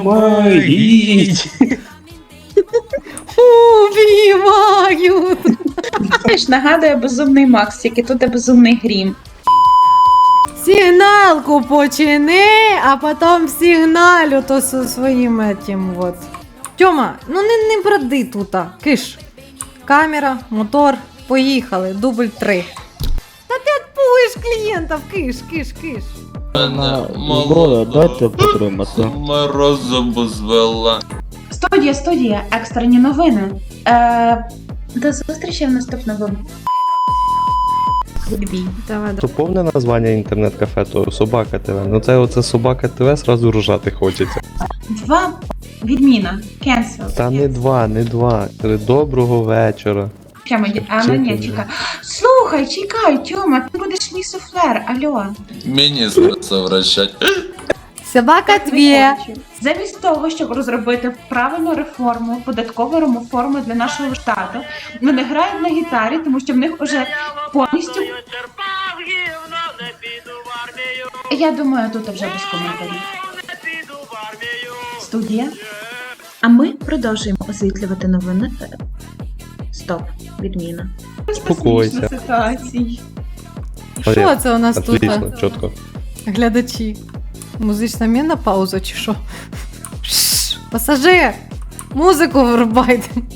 Помогіть! Убивают! Знаєш, нагадує Безумний Макс, тільки тут є Безумний Грім. Сигналку почини, а потом сигналю то со своїм этим вот. Тьома, ну не бради тута. Киш. Камера, мотор, поїхали. Дубль 3. Та ти відпугуєш клієнтів, киш. Зброя, дайте потримати. Морозом звела. Студія, екстрені новини. До зустрічі в наступному. Відбій. Давай, То повне названня інтернет-кафе, то Собака ТВ. Ну це оце Собака ТВ, сразу ржати хочеться. 2. Відміна. Cancel. Та не два. Доброго вечора. Ні, чекай. Слухай, чекай, Тьома, ти будеш мій суфлер, алло. Мені совращать. Собака твій. Замість того, щоб розробити правильну реформу, податкову реформу для нашого штату, вони грають на гітарі, тому що в них вже повністю... Я думаю, тут вже без коментарів. Студія. А ми продовжуємо освітлювати новини. Стоп, відміна. Спокойся. Ситуації. Що це у нас тут? Отлично, чітко. Глядачі. Музична міна пауза чи що? Пасажир! Музику врубайте.